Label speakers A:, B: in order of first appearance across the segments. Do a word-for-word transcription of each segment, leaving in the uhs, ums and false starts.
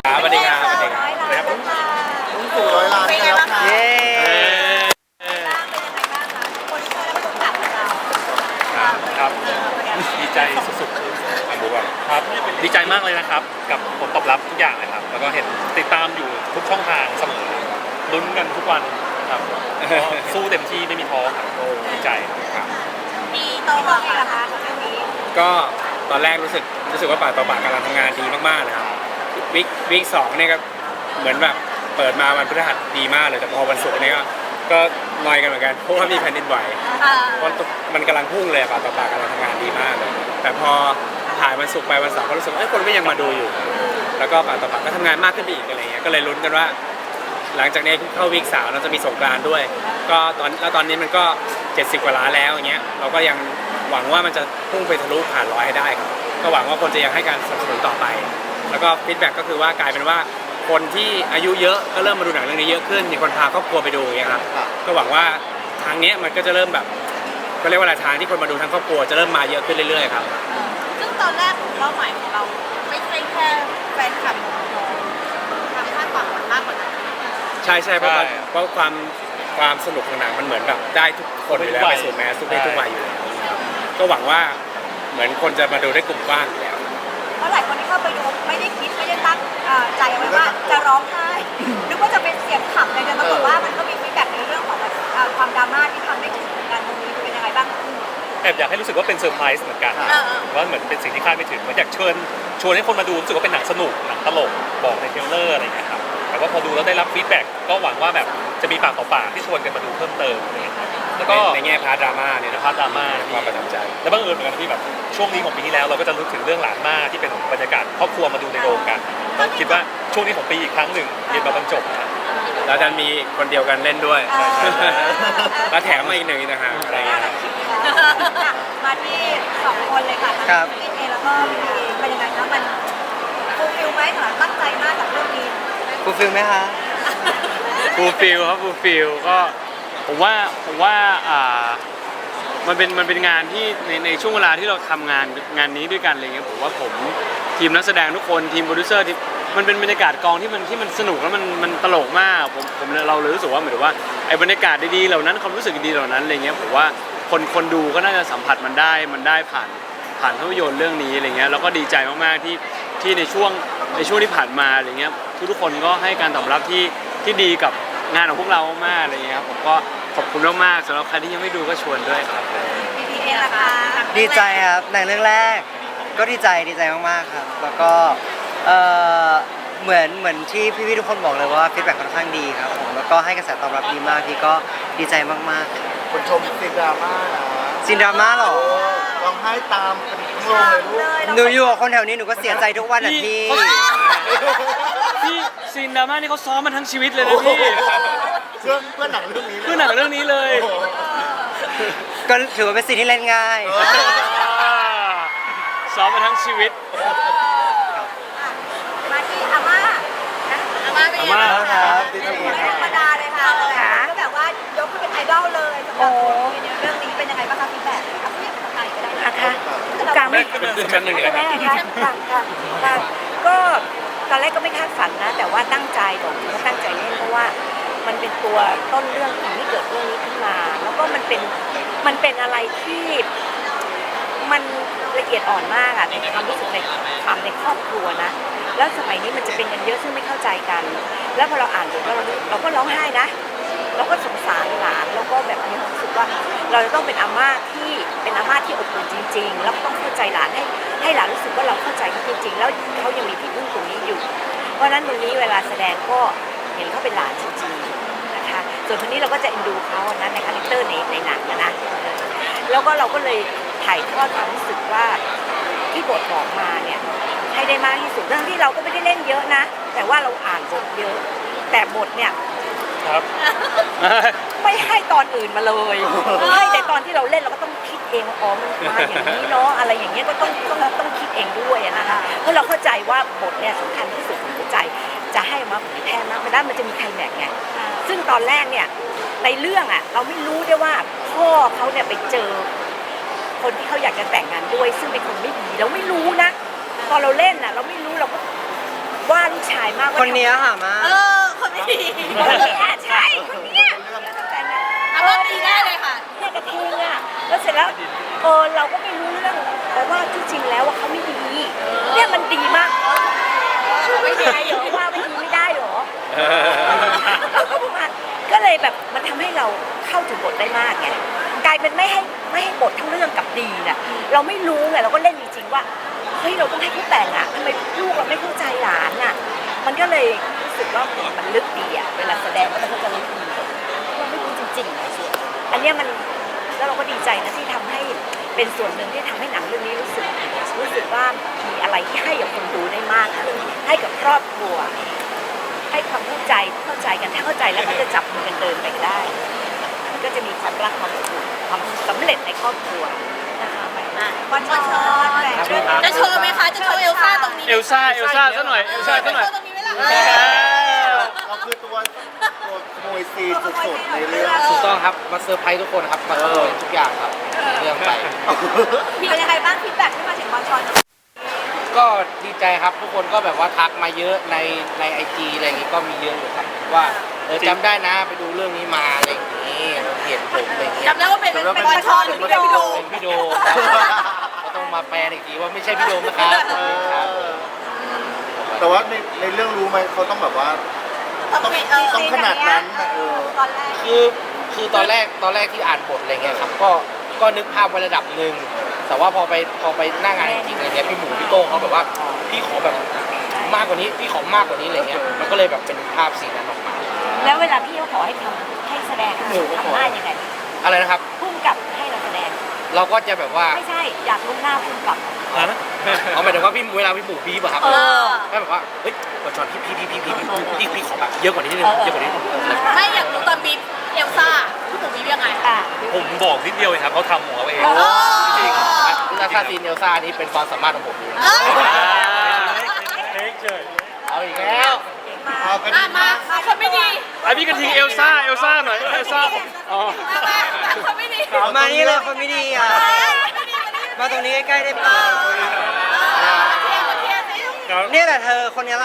A: ครับสวัสดีครับสวัสดีครับ
B: ร้อยล้านแล้วค่ะ
C: ลุงตู่ร้อยล้านกันแล้วค่ะ
A: เย้
B: บ้างเป็นยังไงบ้างคะคนที่เคยได้มาดูข่าวของเรา
D: ครับดีใจสุดๆอันดูว่าครับดีใจมากเลยนะครับกับผลตอบรับทุกอย่างเลยครับแล้วก็เห็นติดตามอยู่ทุกช่องทางเสมอลุ้นกันทุกวันครับก็สู้เต็มที่ไม่มีท้อครับโอ้ดีใจครับ
B: มีโตมาเองเหรอคะเรื่องนี้
A: ก็ตอนแรกรู้สึกรู้สึกว่าปากต่อปากกำลังทำงานดีมากๆนะครับวิกวิกสองเนี่ยก็เหมือนแบบเปิดมาวันพฤหัสดีมากเลยแต่พอวันศุกร์เนี่ยก็ก็นอยกันเหมือนกันเพราะว่ามีแผ่นดินไหว
B: เอ่อ
A: เพราะมันกำลังพุ่งเลยปากต่อปากกำลังทำงานดีมากเลยแต่พอถ่ายวันศุกร์ไปวันเสาร์ก็รู้สึกว่าเอ้ยคนก็ยังมาดูอยู่ แล้วก็ปากต่อปากก็ทำงานมากขึ้นไปอีกอะไรเงี้ยก็เลยลุ้นกันว่า หลังจากนี้เข้าวีคสามเราจะมีสงกรานต์ด้วย ก็ตอนแล้วตอนนี้มันก็เจ็ดสิบกว่าล้านแล้วอย่างเงี้ยเราก็ยังหวังว่ามันจะพุ่งไปทะลุผ่านร้อยให้ได้ครับก็หวังว่าคนจะยังให้การสนับสนุนต่อไป แล้วก็ฟีดแบ็กก็คือว่ากลายเป็นว่าคนที่อายุเยอะก็เริ่มมาดูหนังเรื่องนี้เยอะขึ้นมีคนพาครอบครัวไปดูอย่างเงี้ยครับก็หวังว่าทางเนี้ยมันก็จะเริ่มแบบก็เรียกว่าอะไรทางที่คนมาดูทั้งครอบครัวจะเริ่มมาเยอะขึ้นเรื่อยๆครับ
B: ซึ่งตอนแรกเป้าหมายของเราไม่ใช่แค่แฟนคลับของน้องทำคาดหวังมันมากกว่านั้น
A: ใช่ใช่เพราะ
D: ใช่
A: เพราะความความสนุกของหนังมันเหมือนแบบได้ทุกคนอยู่แล้ว
D: ทุกวั
A: ไป
D: ย
A: สู่แมสทุกเพศ
D: ใช่
A: ทุกวัยอยู่แล้วก็หวังว่าเหมือนคนจะมาดูได้กลุ่มกว้างอยู่แล้ว
B: เพราะหลายคนที่เข้าไปดูไม่ได้คิดไม่ได้ตั้งเอ่อใจเอาไว้ว่าจะร้องไห้นึกว่าจะเป็นเสียงขำอะไรแต่ปรากฏว่ามันก็มีฟีดแบ็กในเรื่องของแบบเอ่อความดราม่าที่ทำไม่ถึงเหมือนกันตรงนี้เป็นยังไงบ้าง
D: แอบอยากให้รู้สึกว่าเป็นเซอร์ไพรส์เหมือนกัน
B: เออเออ
D: ว่าเหมือนเป็นสิ่งที่คาดไม่ถึงมันอยากเชิญชวนให้คนมาดูรู้สึกว่าเป็นหนังสนุกหนังตลกบอกในเทรลเลอร์อะไรอย่างเงี้ยครับแต่ว่าพอดูแล้วได้รับฟีดแบ็กก็หวังว่าแบบจะมีปากต่อปากที่ชวนกันมาดูเพิ่มเติมอะไรอย่างเงี้ยครับแล้วก็
A: ในแง่พาร์ทดราม่าเนี่ย
D: ใน
A: นะ
D: พาร์ทดราม่า
A: ความประทับใจ
D: แล้วบังเอิญเหมือนกันที่แบบช่วงนี้ของปีที่แล้วเราก็จะรู้ถึงเรื่องหลานมาที่เป็นบรรยากาศครอบครัวมาดูในโรงกันก็คิดว่าช่วงนี้ของปีอีกครั้งหนึ่งเรียนมาบรรจบนะ
A: แล้วดันมีคนเดียวกันเล่นด้วย
B: ใช่ใช่ใช่
A: แล้วแถมมาอีกหนึ่งอีกนะฮะอะไรเงี้ยครับ
B: มาที่สองคนเลยค่ะทั้ง
A: ครับ
B: พี่เอแล้วก็พี่เอเป็นยังไงคะมันฟูลฟิลไหมสำหรับตั้งใจมากกับเรื่องนี้
E: ฟูลฟิลไหมคะ
F: ฟูลฟิลครับฟูลฟิลก็ผมว่าผมว่าอ่ามันเป็นมันเป็นงานที่ในในช่วงเวลาที่เราทำงานงานนี้ด้วยกันอะไรเงี้ยผมว่าผมทีมนักแสดงทุกคนทีมโปรดิวเซอร์ที่มันเป็นบรรยากาศกองที่มันที่มันสนุกแล้วมันมันตลกมากผมผมเราเลยรู้สึกว่าเหมือนว่าไอ้บรรยากาศดีๆเหล่านั้นความรู้สึกดีๆเหล่านั้นอะไรเงี้ยผมว่าคนคนดูก็น่าจะสัมผัสมันได้มันได้ผ่านผ่านภาพยนตร์เรื่องนี้อะไรเงี้ยแล้วก็ดีใจมากๆที่ที่ในช่วงในช่วงที่ผ่านมาอะไรเงี้ยทุกๆคนก็ให้การตอบรับที่ที่ดีกับงานของพวกเรามากๆอะไรเงี้ยครับผมก็ขอบคุณมากๆสำหรับใครที่ยังไม่ดูก็ชวนด้วยครับ
B: พี่เอล่ะคะ
E: ดีใจครับหนังเรื่องแรก ก็ดีใจดีใจมากๆครับ แล้วก็เอ่อเหมือนเหมือนที่พี่ๆทุกคนบอกเลยว่าฟีดแบ็กค่อนข้างดีครับผมแล้วก็ให้กระแสตอบรับดีมากพี่ก็ดีใจมากๆครับ
C: คนชมซีนดราม่านะ
E: ซินดราม่าเหรอ
C: โอ้ร้องไห้ตามเป็นทั้งโรงเลยลูก
E: หนูอยู่กับคนแถวนี้หนูก็เสียใจทุกวันอ่ะพี่
F: พี่ซีนดราม่านี่เขาซ้อมมาทั้งชีวิตเลยนะพี่
C: เพื่อเพื่อหนังเรื่องนี้
F: เพื่อหนังเรื่องนี้เลย
C: โอ้โห
E: ก็ถือว่าเป็นสิ่งที่เล่นง่าย
F: ซ้อมมาทั้งชีวิต
B: มาที่อาม่านะอาม่าเป็นยังไงบ้าง
E: อาม่าครั
B: คะ
E: บ
B: ไม่ธรรมดาเลยค่ะก็แบบว่ายกให้เป็นไอดอลเลยสำหรับคนในเรื่องนี้เป็นยังไงบ้างคะฟีดแบ็กเอาเรียกภาษาไทยก็ได้นะ
G: นะคะ
B: กลางไม่
A: เป็นชั้นหนึ่งเลย
G: ใช่ไหมคะค่ะค่ะค่ะก็ตอนแรกก็ไม่คาดฝันนะ แต่ว่าตั้งใจบอกว่าตั้งใจเล่นเพราะว่ามันเป็นตัวต้นเรื่องของที่เกิดเรื่องนี้ขึ้นมา แล้วก็มันเป็นมันเป็นอะไรที่มันละเอียดอ่อนมากอะในความรู้สึกในความในครอบครัวนะ แล้วสมัยนี้มันจะเป็นกันเยอะซึ่งไม่เข้าใจกัน แล้วพอเราอ่านบทแล้วเราเราก็ร้องไห้นะ เราก็สงสารหลานแล้วก็แบบมีความรู้สึกว่าเราจะต้องเป็นอาม่าที่เป็นอาม่าที่อบอุ่นจริงๆแล้วก็ต้องเข้าใจหลานให้ให้หลานรู้สึกว่าเราเข้าใจเขาจริงๆแล้วเขายังมีที่พึ่งตรงนี้อยู่ เพราะฉะนั้นตรงนี้เวลาแสดงก็เห็นเขาเป็นหลานจริงๆนะคะส่วนคนนี้เราก็จะเอ็นดูเขานะในคาแรคเตอร์ในในหนังนะนะแล้วก็เราก็เลยถ่ายทอดความรู้สึกว่าที่บทบอกมาเนี่ยให้ได้มากที่สุดเรื่องที่เราก็ไม่ได้เล่นเยอะนะ แต่ว่าเราอ่านบทเยอะ แต่บทเนี่ย
D: ครับ
G: ไม่ให้ตอนอื่นมาเลยให้แต่ตอนที่เราเล่นเราก็ต้องคิดเองว่าอ๋อมันมาอย่างนี้เนาะอะไรอย่างเงี้ยก็ต้องต้องต้องคิดเองด้วยนะคะเพราะเราเข้าใจว่าบทเนี่ยสำคัญที่สุดของหัวใจจะให้มาเผยแพร่มากไม่ได้มันจะมีใครแม็กไงซึ่งตอนแรกเนี่ยในเรื่องอ่ะเราไม่รู้ได้ว่าพ่อเขาเนี่ยไปเจอคนที่เขาอยากจะแต่งงานด้วยซึ่งเป็นคนไม่ดีเราไม่รู้นะตอนเราเล่นน่ะเราไม่รู้เราก็ว่าลูกชายมากว่า
E: คนเนี้ยค่ะมา
B: เออคนนี้
G: คนเนี้ยใช่คนเนี้ยแต่นะ
B: อารมณ์ดีได้เลยค่ะ
G: เนี่ยกระทิงอ่ะแล้วเสร็จแล้วเออเราก็ไม่รู้เรื่องแต่ว่าที่จริงแล้วว่าเขาไม่ดีเนี่ยมันดีมากไม่ได้เหรอว่าไม่ดีไม่ได้เหรอเราก็ประมาณก็เลยแบบมันทำให้เราเข้าถึงบทได้มากไงกลายเป็นไม่ให้ไม่ให้บททั้งเรื่องกับดีน่ะเราไม่รู้ไงเราก็เล่นจริงๆว่าเฮ้ยเราต้องให้เขาแต่งอ่ะทำไมลูกเราไม่เข้าใจหลานอ่ะมันก็เลยรู้สึกว่ามันลึกดีอ่ะเวลาแสดงก็ต้องจะลึกดีเราไม่รู้จริงๆนะส่วนอันเนี้ยมันแล้วเราก็ดีใจนะที่ทำให้เป็นส่วนหนึ่งที่ทำให้หนังเรื่องนี้รู้สึกรู้สึกว่ามีอะไรที่ให้กับคนดูได้มากขึ้นให้กับครอบครัวให้ความเข้าใจเข้าใจกันถ้าเข้าใจแล้วก็จะจับมือกันเดินไปได้มันก็จะมีความรักความอบอุ่นความสำเร็จในครอบครัวนะคะไปมาก
B: วันช้อนจะโชว์ไหมคะ จะโชว์เอลซ่าตรงนี้
F: เอลซ่าเอลซ่าซะหน่อยเอลซ่าซะหน่อย
B: ตรงนี้ไหมล่ะ
C: เราคือตัวตัวขโมยซีนสุดๆในเรื่อง
H: ถูกต้องครับ มาเซอร์ไพรส์ทุกคนครับ มาขโมยทุกอย่างครับเรื่องไป
B: เป็นยังไงบ้างฟีดแบ็กที่มาถึงวันช้อน
H: ก็ดีใจครับทุกคนก็แบบว่าทักมาเยอะในในไอจีอะไรอย่างงี้ก็มีเยอะอยู่ครับว่าเออจำได้นะไปดูเรื่องนี้มาอะไรอย่างงี้เห็นผมอะไรอย่างเงี้ย
B: จำได้ว่าเป็นเป็นวันช้อนหรือพี่โด
H: เป็นพี่โดมครับก็ต้องมาแปลอีกทีว่าไม่ใช่พี่โดมนะครับครับ
C: แต่ว่าในในเรื่องรู้ไหมเขาต้องแบบว่า ต้องต้องขนาดนั้นน่ะเออ
B: ตอนแรก
H: คือคือตอนแรกตอนแรกที่อ่านบทอะไรเงี้ยครับก็ก็นึกภาพไว้ระดับหนึ่งแต่ว่าพอไปพอไปหน้างานจริงๆอะไรเงี้ยพี่หมูพี่โต้งเขาแบบว่าพี่ขอแบบมากกว่านี้พี่ขอมากกว่านี้อะไรเงี้ยมันก็เลยแบบเป็นภาพสีนั้นออกมา
G: แล้วเวลาพี่เขาขอให้ทำให้แสดงทำหน้ายังไง
H: อะไรนะครับ
G: พุ่งกับให้เราแสดง
H: เราก็จะแบบว่า
G: ไม่ใช่อยากรู้หน้าพุ่งกับ
H: เอาหมายถึงว่าพี่เวลาพี่หมูบีบอะครับ
B: เออ
H: ก็แบบว่าเฮ้ยบทจอนพี่พี่พี่พี่พี่พี่พี่พี่ขอแบบเยอะกว่านี้นิดนึงเยอะกว่านี้นิดนึง
B: ไม่อยากรู้ตอนบีบเอลซ่าพี่ผมบีบยังไง
G: อ่ะ
D: ผมบอกนิดเดียวเองครับเขาทำของเขาเอง จริง
H: แล้วถ้าซีนเอลซ่านี่เป็นความสามารถของผมเอง
B: เออ
F: เทคเฉย
H: เอาอีกแล้ว
C: เอากัน
B: มามามาคนไม่ดี
F: ไอพี่กระทิงเอลซ่าเอลซ่าหน่อยเอลซ่าอ๋อ
B: มามามาคนไม่ดี
E: มานี่เลยคนไม่ดีอ่ะ มาตรงนี้ใกล้ๆได้เปล่า
B: เทียบเทียบสิ
F: ครับ
E: เนี่ยแหละเธอคนนี้แหละ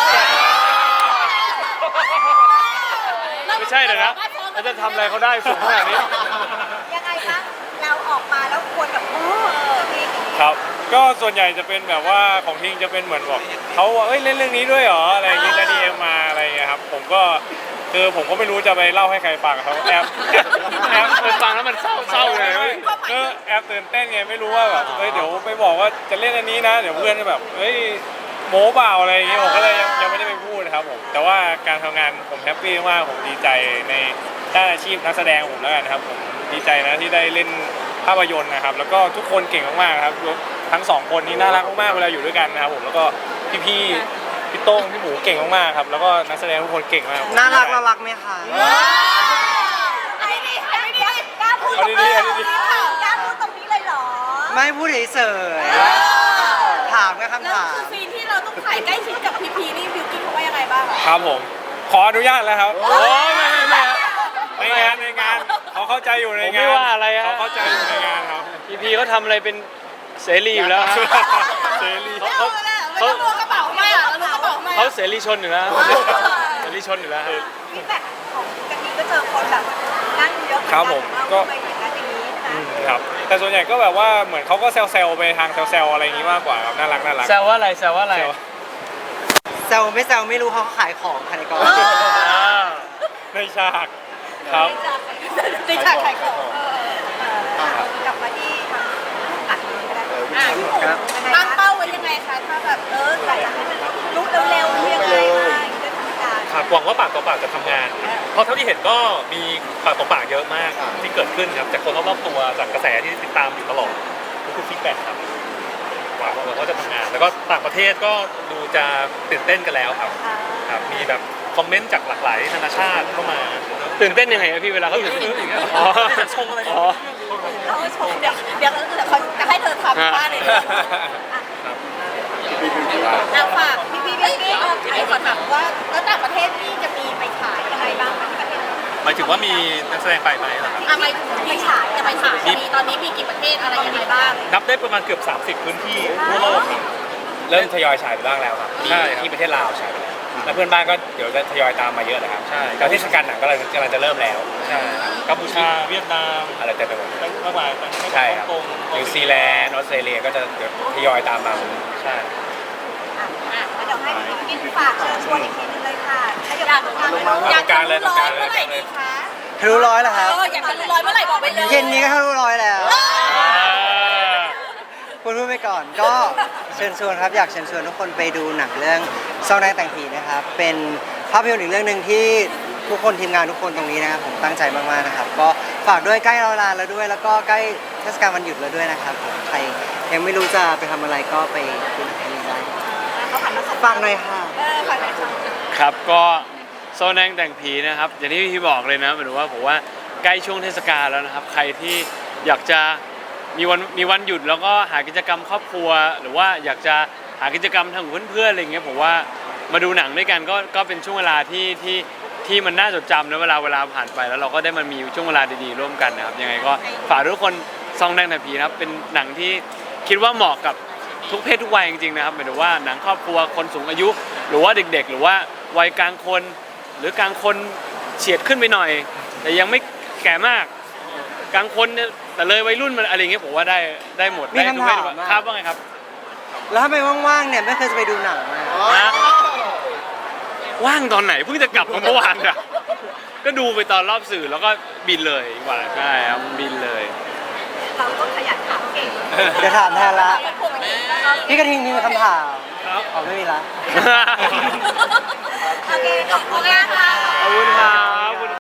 F: ไม่ใช่เลยนะเราจะทำอะไรเขาได้สูงขนาดนี้
B: ยังไงคะเราออกมาแล้วควรแบบโอ้มี
A: ครับ ก็ส่วนใหญ่จะเป็นแบบว่าของทิงจะเป็นเหมือนบอกเขาว่าเอ้ยเล่นเรื่องนี้ด้วยเหรออะไรอย่างเงี้ยจะดีเอ็มมาอะไรอย่างเงี้ยครับผมก็คือผมก็ไม่รู้จะไปเล่าให้ใครฟังเขาแอบแอบ
F: เออฟังแล้วมันเศร้าเศร้าเลยเว้ย
A: ก็แอบตื่นเต้นไงไม่รู้ว่าแบบเอ้ยเดี๋ยวไปบอกว่าจะเล่นอันนี้นะ เดี๋ยวเพื่อนจะแบบเอ้ยโม้เปล่าอะไรอย่างเงี้ยผมก็เลยยังยังไม่ได้ไปพูดนะครับผมแต่ว่าการทำงานผมแฮปปี้มากผมดีใจในด้านอาชีพนักแสดงผมแล้วกันครับผมดีใจนะที่ได้เล่นภาพยนตร์นะครับ แล้วก็ทุกคนเก่งมากๆครับทั้งสองคนนี้น่ารักมากๆเวลาอยู่ด้วยกันนะครับผมแล้วก็พี่ๆพี่โต้งพี่หมูเก่งมากๆครับแล้วก็นักแสดงทุกคนเก่งมาก
E: น่ารักน่ารักไหมคะ
B: ไอ้นี่ไอ้นี่กล้าพูด
A: เอาดีๆเอาดี
B: กล้าพูดตรงนี้เลยเหรอ
E: ไม่พูดเฉยๆถามแค่คำ
B: แล้ว
E: ถาม
B: คือซีนที่เราต้องถ่ายใกล้ชิดกับพีพีนี่บิวกิ้นเขาว่ายังไงบ้างอะ
A: ๆครับผมขออนุญาตแล้วครับโอ้ไม่ไม่ไม่ในงานในงานเขาเข้าใจอยู่ใน
F: ผม
A: งาน
F: ไม่ว่าอะไรฮะ
A: เขาเข้าใจอยู่ในงานครับ
F: พีพีเขาทำอะไรเป็นเสรีอยู่แล้วฮะ
A: เสรี
F: เขา
B: ไม่ต้องล้วงกระเป๋ามาเราล้วงกระเป๋ามา
F: เขาเสรีชนอยู่แล้วเสรีชนอยู่แล้วฮะ
B: ฟีดแบ็กของกะทิก็เจอคนแบบนั่งเยอะเหมือน
A: ค
B: กั
A: รั
B: น
A: บผม
B: ว่า
A: ก็
B: ทำไมอย่างนั้นอย่างนี้นะ
A: อืมครับแต่ส่วนใหญ่ก็แบบว่าเหมือนเขาก็แซวๆไปทางแซวๆอะไรอย่างงี้มากกว่าครับน่ารักน่ารัก
F: แซวว่าอะไรแซวว่าอะไร
A: แซว
E: แซวไม่แซวไม่รู้เขาขายของค่ะในกอง
F: อ่า
A: ในฉากครับ
B: ในฉากขายของเออเออกลับมาที่ทางอัดนี้ก็ได้อ่ะพี่หมู
E: ครับ
B: ตั้งเป้าไว้ยังไงคะถ้าแบบเอออยากจะให้มันลุกเร็วๆยังไงมาเรื่องทำการ
D: ครับหวังว่าปากต่อปากจะทำงาน เพราะเท่าที่เห็นก็มีปากต่อปากเยอะมากที่เกิดขึ้นครับจากคนรอบๆตัวจากกระแสที่ติดตามอยู่ตลอดทุกๆฟีดแบ็กครับหวังว่าเขาจะทำงาน แล้วก็ต่างประเทศก็ดูจะตื่นเต้นกันแล้วครับครับมีแบบคอมเมนต์จากหลากหลายนานาชาติเข้ามา
F: ตื่นเต้นยังไงอะพี่เวลาเขาตื่นเต้น
D: อ๋
F: อ๋
D: อ
F: อ
D: ชมอะไร
F: อ๋อ
B: เราชมเดี๋ยวเดี๋ยวเดี๋ยวเขาจะให้เธอทำบ้านเลยนะอ่ะฝากพี่พี่พี่พี่เอาไอ้ก่อนแบบว่าแล้วต่างประเทศนี่จะมีไปขายยังไงบ้างคะที่ประเทศ
D: หมายถึงว่ามีนักแสดงไปไหมล่ะครับ
B: อ่ะไปไปฉายจะไปฉายมีตอนนี้มีกี่ประเทศอะไรยังไงบ้าง
D: นับได้ประมาณเกือบ สามสิบ พื้นที่ทั่วโลกครับ
A: เริ่มทยอยฉายไปบ้างแล้วครับ
D: ใช่ครับ
A: ที่ประเทศลาวฉายไปแล้วแล้วเพื่อนบ้านก็เดี๋ยวจะทยอยตามมาเยอะเลยครับ
D: ใช่
A: แล้วเทศกาลหนังก็กำลังกำลังจะเริ่มแล้ว
D: ใช่กัมพูชาเวียดนาม
A: อะไรเต็มไปหมด
D: มากมาย
A: ใช่ครับ
D: ฮ่องกง
A: นิวซีแลนด์ออสเตรเลียก็จะเดี๋ยวทยอยตามมา
D: ใช่
B: อ่ะอ่ะแล้วเดี๋ยวให้พี่กินฝากเชิญชวนอีกทีนึงเลยค่ะถ้าอยากทำงาน
A: อยากการเลยต้องการเลย
B: เมื่อไหร่ดีคะ
E: ทะลุร้อยแล้วครับ
B: เอออยากทะลุร้อยเมื่อไหร่บอกไปเลย
E: เย็นนี้ก็ทะลุร้อยแล้วพูดพูดไปก่อนก็เชิญชวนครับอยากเชิญชวนทุกคนไปดูหนังเรื่องซองแดงแต่งผีนะครับเป็นภาพยนตร์อีกเรื่องหนึ่งที่ทุกคนทีมงานทุกคนตรงนี้นะครับผมตั้งใจมากๆนะครับก็ฝากด้วยใกล้เวลาแล้วด้วย แล้วก็ใกล้เทศกาลวันหยุดแล้วด้วยนะครับผมใครยังไม่รู้จะไปทำอะไรก็ไปดูหนังที่นี่ได้
B: เขาผ่านมาสอง
E: ฝากหน่อยค่ะ
B: เออฝากหน่อยค่ะ
F: ครับก็โซนแดงแต่งผีนะครับอย่างที่พี่บอกเลยนะหมายถึงว่าผมว่าใกล้ช่วงเทศกาลแล้วนะครับใครที่อยากจะมีวันมีวันหยุดแล้วก็หากิจกรรมครอบครัว หรือว่าอยากจะหากิจกรรมทางเพื่อนๆอะไรเงี้ยผมว่ามาดูหนังด้วยกันก็ก็เป็นช่วงเวลาที่ที่ที่มันน่าจดจำนะเวลาเวลาผ่านไปแล้วเราก็ได้มามีช่วงเวลาดีๆร่วมกันนะครับยังไงก็ฝากทุกคนซองแดงแต่งผีนะครับเป็นหนังที่คิดว่าเหมาะกับทุกเพศทุกวัยจริงๆนะครับหมายถึงว่าหนังครอบครัวคนสูงอายุ หรือว่าเด็กๆ หรือว่าวัยกลางคน หรือกลางคนเฉียดขึ้นไปหน่อย แต่ยังไม่แก่มากกลางคนเนี่ยแต่เลยวัยรุ่นมันอะไรเงี้ยผมว่าได้ได้หมด
E: มี
F: ได้
E: คำ
F: ทุกเพศ
E: ถาม
F: ทุกวัย
E: อะ
F: ครับว่าไงครับ
E: แล้วถ้าไปว่างๆเนี่ยไม่เคยจะไปดูหนังอะ
F: นะ ว่างตอนไหนเพิ่งจะกลับมาเมื่อวานอะก็ดูไปตอนรอบสื่อแล้วก็บินเลยดีกว่าใช่ครับบินเลย
B: เราต้องขยันถามเก่ง
E: เดี๋ยวถามแทนละ
B: ผมไม่ได้
E: พี่กระทิงมีคำถาม
F: ครับ
E: อ๋อไม่มีละ
B: โอเคขอบคุณมากค่ะ
F: ขอบคุณครับ